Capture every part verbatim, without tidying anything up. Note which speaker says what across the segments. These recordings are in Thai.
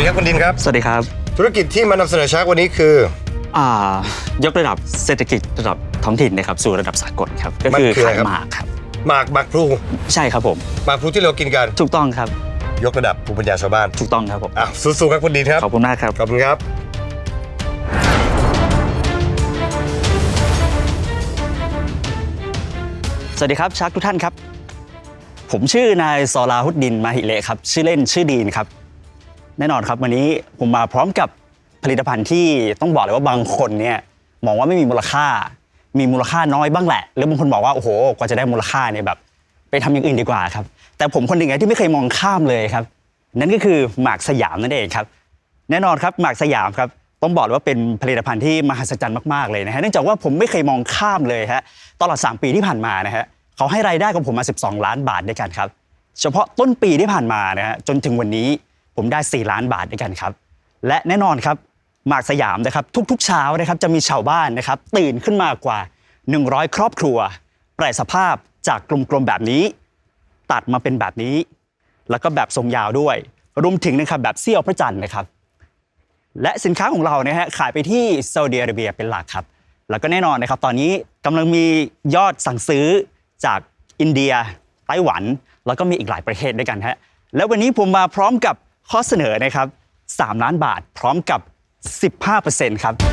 Speaker 1: ดีครับคุณดินครับ
Speaker 2: สวัสดีครับ
Speaker 1: ธุรกิจที่มานำเสนอชาร์กวันนี้คือ
Speaker 2: อ่ายกระดับเศรษฐกิจระดับท้องถิ่นนะครับสู่ระดับสากลครับก็คือขายหมากครับ
Speaker 1: หมากหมากพลู
Speaker 2: ใช่ครับผม
Speaker 1: หมากพลูที่เรากินกัน
Speaker 2: ถูกต้องครับ
Speaker 1: ยกระดับภูมิปัญญาชาวบ้าน
Speaker 2: ถูกต้องครับผม
Speaker 1: อ่ะสู้ๆครับคุณดินครับ
Speaker 2: ขอบคุณมากครับ
Speaker 1: ขอบคุณครับ
Speaker 2: สวัสดีครับชาร์กทุกท่านครับผมชื่อนายซอลาฮุดดินมาฮิเลครับชื่อเล่นชื่อดีนครับแน่นอนครับวันนี้ผมมาพร้อมกับผลิตภัณฑ์ที่ต้องบอกเลยว่าบางคนเนี่ยมองว่าไม่มีมูลค่ามีมูลค่าน้อยบ้างแหละหรือบางคนบอกว่าโอ้โหกว่าจะได้มูลค่าเนี่ยแบบไปทำอย่างอื่นดีกว่าครับแต่ผมคนหนึ่งที่ไม่เคยมองข้ามเลยครับนั่นก็คือหมากสยามนั่นเองครับแน่นอนครับหมากสยามครับต้องบอกเลยว่าเป็นผลิตภัณฑ์ที่มหัศจรรย์มากๆเลยนะฮะเนื่องจากว่าผมไม่เคยมองข้ามเลยฮะตลอดสามปีที่ผ่านมานะฮะเขาให้รายได้ของผมมาสิบสองล้านบาทด้วยกันครับเฉพาะต้นปีที่ผ่านมานะฮะจนถึงวันนี้ผมได้สี่ล้านบาทด้วยกันครับและแน่นอนครับหมากสยามนะครับทุกๆเช้านะครับจะมีชาวบ้านนะครับตื่นขึ้นมากว่าหนึ่งร้อยครอบครัวแปรสภาพจากกลมๆแบบนี้ตัดมาเป็นแบบนี้แล้วก็แบบทรงยาวด้วยรวมถึงนะครับแบบเสี้ยวพระจันทร์นะครับและสินค้าของเรานะฮะขายไปที่ซาอุดิอาระเบียเป็นหลักครับแล้วก็แน่นอนนะครับตอนนี้กำลังมียอดสั่งซื้อจากอินเดียไต้หวันแล้วก็มีอีกหลายประเทศด้วยกันฮะแล้ววันนี้ผมมาพร้อมกับข้อเสนอนะครับสามล้านบาทพร้อมกับ สิบห้าเปอร์เซ็นต์ ครับ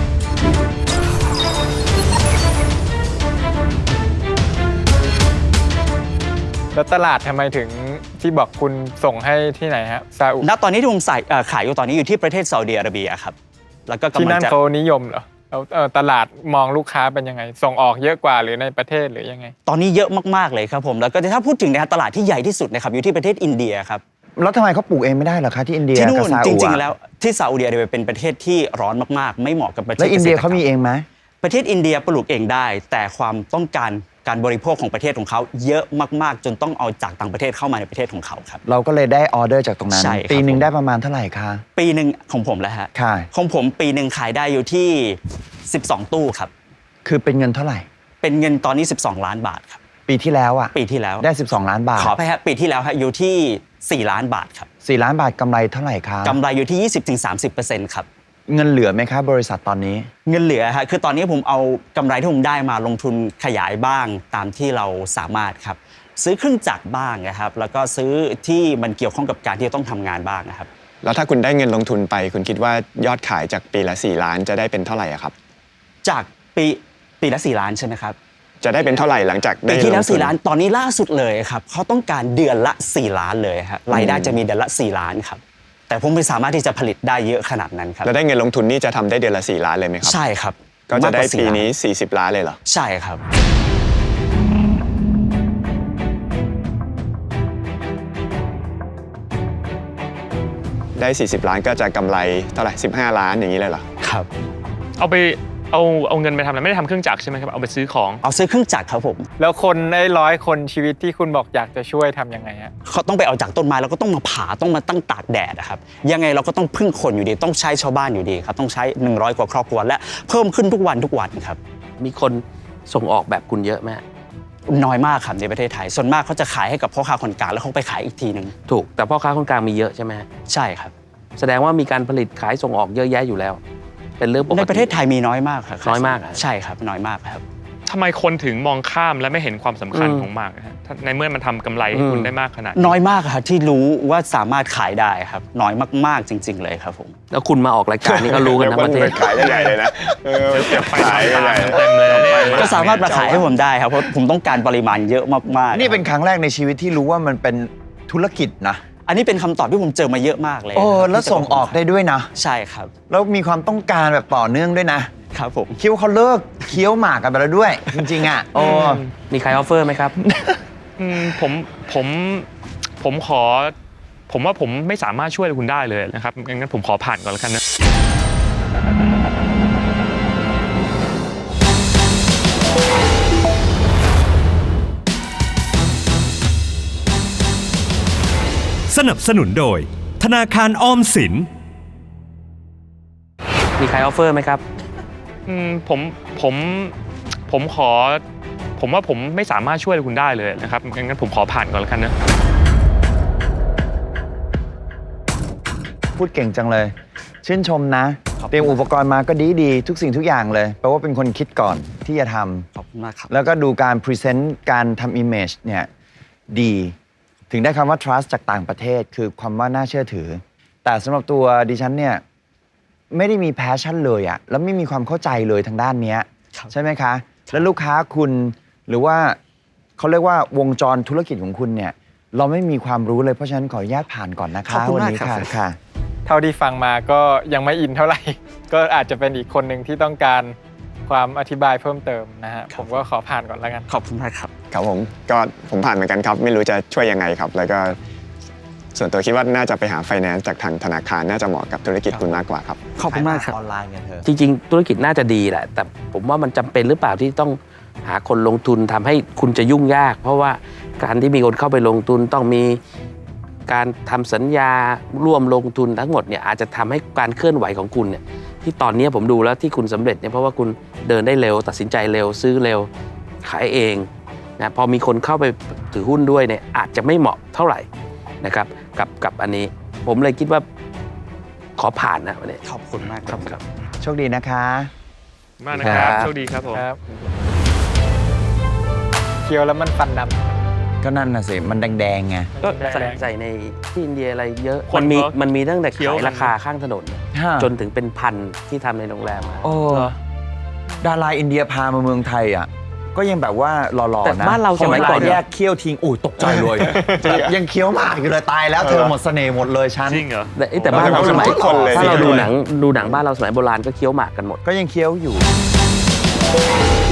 Speaker 3: แล้วตลาดทำไมถึงที่บอกคุณส่งให้ที่ไหนฮะซาอุ
Speaker 2: ณตอนนี้ที่ผมใส่ขายอยู่ตอนนี้อยู่ที่ประเทศซาอุดิอาระเบียครับแล้วก็
Speaker 3: ที่นั่นเขานิยมเหรอแล้วตลาดมองลูกค้าเป็นยังไงส่งออกเยอะกว่าหรือในประเทศหรือยังไง
Speaker 2: ตอนนี้เยอะมากๆเลยครับผมแล้วก็ถ้าพูดถึงในตลาดที่ใหญ่ที่สุดนะครับอยู่ที่ประเทศอินเดียครับ
Speaker 4: แล้วทำไมเขาปลูกเองไม่ได้เหรอคะที่อินเดีย
Speaker 2: ที่นู่นจริงๆแล้วที่ซาอุดิอาระเบียเป็นประเทศที่ร้อนมากๆไม่เหมาะกับประเทศ
Speaker 4: แล้วอินเดียเขามีเองไหม
Speaker 2: ประเทศอินเดียปลูกเองได้แต่ความต้องการการบริโภคของประเทศของเขาเยอะมากๆจนต้องเอาจากต่างประเทศเข้ามาในประเทศของเขาครับ
Speaker 4: เราก็เลยได้ออเดอร์จากตรงนั้นปีหนึ่งได้ประมาณเท่าไหร่คะ
Speaker 2: ปีหนึ่งของผมแล้วฮะของผมปีหนึ่งขายได้อยู่ที่สิบสองตู้ครับ
Speaker 4: คือเป็นเงินเท่าไหร่
Speaker 2: เป็นเงินตอนนี้สิบสองล้านบาทครับ
Speaker 4: ปีที่แล้วอ่ะ
Speaker 2: ปีที่แล้ว
Speaker 4: ได้สิบสองล้านบาท
Speaker 2: ขอไปฮะปีที่แล้วฮะอยู่ที่สี่ล้านบาทครับ
Speaker 4: สี่ล้านบาทกำไรเท่าไหร่คะ
Speaker 2: กำไรอยู่ที่ ยี่สิบถึงสามสิบเปอร์เซ็นต์ ครับ
Speaker 4: เงินเหลือไหมครับบริษัทตอนนี้
Speaker 2: เงินเหลือฮะคือตอนนี้ผมเอากำไรที่ผมได้มาลงทุนขยายบ้างตามที่เราสามารถครับซื้อเครื่องจักรบ้างนะครับแล้วก็ซื้อที่มันเกี่ยวข้องกับการที่จะต้องทำงานบ้างนะครับ
Speaker 5: แล้วถ้าคุณได้เงินลงทุนไปคุณคิดว่ายอดขายจากปีละสี่ล้านจะได้เป็นเท่าไหร่ครับ
Speaker 2: จากปีปีละสี่ล้านใช่ไหมครับ
Speaker 5: จะได้เป็นเท่าไหร่หลังจาก
Speaker 2: ปีที่แล้วสี่ล้านตอนนี้ล่าสุดเลยครับเขาต้องการเดือนละสี่ล้านเลยครับรายได้จะมีเดือนละสี่ล้านครับแต่ผมไม่สามารถที่จะผลิตได้เยอะขนาดนั้นครับ
Speaker 5: แล้วได้เงินลงทุนนี่จะทำได้เดือนละสี่ล้านเลยไหมครับ
Speaker 2: ใช่ครับ
Speaker 5: ก็จะได้ปีนี้สี่สิบล้านเลยเหรอ
Speaker 2: ใช่ครับ
Speaker 5: ได้สี่สิบล้านก็จะกำไรเท่าไหร่สิบห้าล้านอย่างนี้เลยเหรอ
Speaker 2: ครับ
Speaker 6: เอาไปเอาเอาเงินไปทำอะไรไม่ได้ทำเครื่องจักรใช่ไหมครับเอาไปซื้อของ
Speaker 2: เอาซื้อเครื่องจักรครับผม
Speaker 3: แล้วคนไอ้ร้อยคนชีวิตที่คุณบอกอยากจะช่วยทำยังไงฮะ
Speaker 2: เขาต้องไปเอาจากต้นไม้แล้วก็ต้องมาผ่าต้องมาตั้งตากแดดนะครับยังไงเราก็ต้องพึ่งคนอยู่ดีต้องใช้ชาวบ้านอยู่ดีครับต้องใช้หนึ่งร้อยกว่าครอบครัวและเพิ่มขึ้นทุกวันทุกวันครับ
Speaker 7: มีคนส่งออกแบบคุณเยอะไหม
Speaker 2: น้อยมากครับในประเทศไทยส่วนมากเขาจะขายให้กับพ่อค้าคนกลางแล้วเขาไปขายอีกทีนึง
Speaker 7: ถูกแต่พ่อค้าคนกลางมีเยอะใช่ไหม
Speaker 2: ใช่ครับ
Speaker 7: แสดงว่ามีการผลิตขายส่งออกเยอะแยะอยู่แล้วเป็นเรื่องปกติ
Speaker 2: ในประเทศไทยมีน้อยมากครับ
Speaker 7: น้อยมาก
Speaker 2: ใช่ครับน้อยมากครับ
Speaker 6: ทำไมคนถึงมองข้ามและไม่เห็นความสำคัญของหมากฮะในเมื่อมันทำกำไรให้คุณได้มากขนาด
Speaker 2: น้อยมากครับที่รู้ว่าสามารถขายได้ครับน้อยมากๆจริงๆเลยครับผม
Speaker 7: แล้วคุณมาออกรายการนี้ก็รู้กันทั้งประเทศ
Speaker 5: ขายใหญ่เลยนะ
Speaker 6: เก็บไปขายใหญ่เต็มเลย
Speaker 2: ก็สามารถมาขายให้ผมได้ครับเพราะผมต้องการปริมาณเยอะมากๆ
Speaker 4: นี่เป็นครั้งแรกในชีวิตที่รู้ว่ามันเป็นธุรกิจนะ
Speaker 2: อันนี้เป็นคำตอบที่ผมเจอมาเยอะมากเลย
Speaker 4: โอ้แล้วส่งออกได้ด้วยนะ
Speaker 2: ใช่ครับ
Speaker 4: แล้วมีความต้องการแบบต่อเนื่องด้วยนะครับ
Speaker 2: ผม
Speaker 4: คิดว่าเขาเลิกเคี้ยวหมากกันไปแล้วด้วยจริงๆอ่ะโอ้
Speaker 7: มีใครออฟเฟอร์ไหมครับ
Speaker 6: ผมผมผมขอผมว่าผมไม่สามารถช่วยคุณได้เลยนะครับงั้นผมขอผ่านก่อนแล้วกันนะ
Speaker 8: สนับสนุนโดยธนาคารออมสิน
Speaker 7: มีใครออฟเฟอร์ไหมครับ
Speaker 6: ผมผมผมขอผมว่าผมไม่สามารถช่วยคุณได้เลยนะครับงั้นผมขอผ่านก่อนแล้วกันนะ
Speaker 4: พูดเก่งจังเลย ชื่นชมนะ เตรียมอุปกรณ์มาก็ดีดีๆทุกสิ่งทุกอย่างเลยแปลว่าเป็นคนคิดก่อนที่จะทำ
Speaker 2: ขอบคุณมากครับ
Speaker 4: แล้วก็ดูการพรีเซนต์การทำ image เนี่ยดี ถึงได้คำว่า trust จากต่างประเทศคือความว่าน่าเชื่อถือ แต่สำหรับตัวดิฉันเนี่ยไม่ได้มี passion เลยอะแล้วไม่มีความเข้าใจเลยทางด้านเนี้ย
Speaker 2: ครับ
Speaker 4: ใช่ไหมคะ แล้วลูกค้าคุณหรือว่าเขาเรียกว่าวงจรธุรกิจของคุณเนี่ยเราไม่มีความรู้เลยเพราะฉะนั้นขออนุญาตผ่านก่อนนะคะ
Speaker 2: ขอบคุณ
Speaker 4: วั
Speaker 2: มาก
Speaker 4: นี้
Speaker 2: ครับ
Speaker 4: ค่ะค่ะ
Speaker 3: เท่าที่ฟังมาก็ยังไม่อินเท่าไหร่ ก็อาจจะเป็นอีกคนหนึ่งที่ต้องการความอธิบายเพิ่มเติมนะฮะผมก็ขอผ่านก่อนแล้วกัน
Speaker 2: ขอบคุณมากครับ
Speaker 5: ครับผมก็ผมผ่านเหมือนกันครับ ไม่รู้จะช่วยยังไงครับ แล้วก็ส่วนตัวคิดว่าน่าจะไปหาไฟแนนซ์จากทางธนาคารน่าจะเหมาะกับธุรกิจคุณมากกว่าครับ
Speaker 2: ขอบคุณมากครับ
Speaker 4: ออนไลน์ไงเธอ
Speaker 7: จริง ๆ ธุรกิจน่าจะดีแหละ แต่ผมว่ามันจำเป็นหรือเปล่าที่ต้องหาคนลงทุนทำให้คุณจะยุ่งยาก เพราะว่าการที่มีคนเข้าไปลงทุนต้องมีการทำสัญญาร่วมลงทุนทั้งหมดเนี่ยอาจจะทำให้การเคลื่อนไหวของคุณเนี่ยที่ตอนนี้ผมดูแล้วที่คุณสำเร็จเนี่ยเพราะว่าคุณเดินได้เร็ว ตัดสินใจเร็วซื้อเร็วขายเองนะพอมีคนเข้าไปถือหุ้นด้วยเนี่ยอาจจะไม่เหมาะเท่าไหร่นะครับกับกับอันนี้ผมเลยคิดว่าขอผ่านนะวันนี้
Speaker 2: ขอบคุณมากครับ
Speaker 4: โชคดีนะคะ
Speaker 6: มากนะครับ
Speaker 7: ครับ
Speaker 6: โชคดีครับผม
Speaker 3: ครับเคี้ยวแล้วมันฟันดำ
Speaker 4: ก็นั่นน่ะสิ มันแดงๆไง
Speaker 7: ก็
Speaker 3: แรง
Speaker 7: ใส่ใส่ในที่อินเดียอะไรเยอะ
Speaker 6: คน
Speaker 7: มันมี
Speaker 6: เขา
Speaker 7: มันมีตั้งแต่
Speaker 6: เคี้ยว
Speaker 7: ขาย
Speaker 6: กัน
Speaker 7: ราคาข้างถนน
Speaker 4: ฮะ
Speaker 7: จนถึงเป็นพันที่ทำในโรงแรมอะ
Speaker 4: โอ้ดาราอินเดียพามาเมืองไทยอ่ะ ก็ยังแบบว่าหล่อ
Speaker 7: แต่
Speaker 4: ๆนะ
Speaker 7: บ้านเราสมัยก่อน
Speaker 4: พแยกเคี้ยวทิ้งอุ้ยตกใจเลยแบบยังเคี้ยวหมากอยู่เลยตายแล้วเธอหมดเสน่ห์หมดเลยฉัน
Speaker 6: จริงเหรอ
Speaker 7: แต่เอ้ยแต่บ้านเราสมัย
Speaker 5: ทุกคนเลย
Speaker 7: ถ้าเรา
Speaker 5: สิ
Speaker 7: ดูหนังดูหนังบ้านเราสมัยโบราณก็เคี้ยวหมากกันหมด
Speaker 4: ก็ยังเคี้ยวอยู่